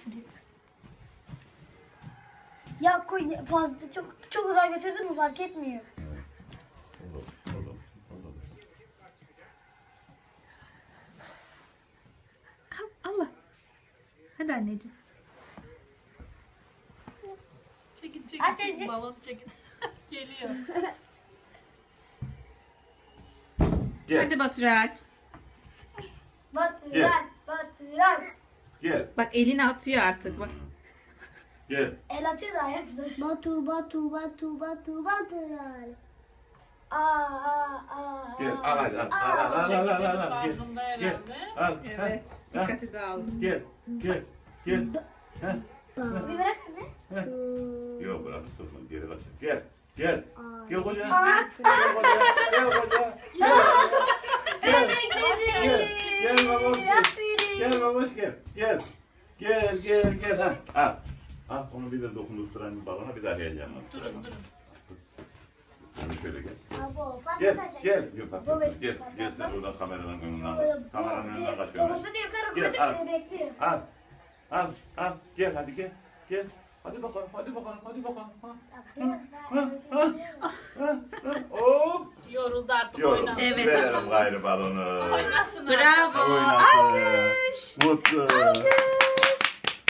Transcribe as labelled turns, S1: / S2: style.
S1: götürüyor. Ya koy fazla çok uzağa götürdün mü fark etmiyor.
S2: Olur.
S3: Allah. Hadi anneciğim.
S4: Çekin
S1: Anneciğim.
S4: balon çekin. Geliyor.
S2: Gel.
S3: Hadi Baturay.
S1: Batıran.
S2: Gel.
S3: Bak elini atıyor artık bak.
S2: Gel.
S1: El atıyor da ayaklar. Batıran.
S2: Gel. Al hadi al. Al.
S4: Çekildi
S2: Gel.
S4: farkında
S2: Gel.
S4: herhalde.
S2: Al.
S3: Evet.
S2: Ha.
S3: Dikkati dağıldı.
S2: Gel. Ha.
S1: Bir bırak anne.
S2: Yok bırak tutma geri kaç. Gel. Gel koca.
S1: Aa.
S2: Gel koca. Gel babam gel. Gel babaş gel. Gel. Ha. Al. Al onu bir de dokundurturan bir balona bir daha heyecanla.
S4: Durun.
S2: Şöyle şöyle gel.
S1: Abo,
S2: Gel. Yok bak.
S1: Baba,
S2: Gel sen oradan kameradan önünden.
S1: Böyle
S2: Kameranın önünden kaçıyorsun.
S1: Babasını yukarı
S2: Gel,
S1: koyduk
S2: al.
S1: diye bekliyor.
S2: Al. Gel hadi gel. Hadi bakalım. Ha. Hop.
S4: Yoruldu artık
S2: Yorum.
S4: oynadı.
S3: Evet.
S2: Verelim gayrı balonu.
S4: Oynasın artık.
S3: Bravo.
S2: Oynasın.
S3: Alkış.
S2: Mutlu.
S3: Alkış.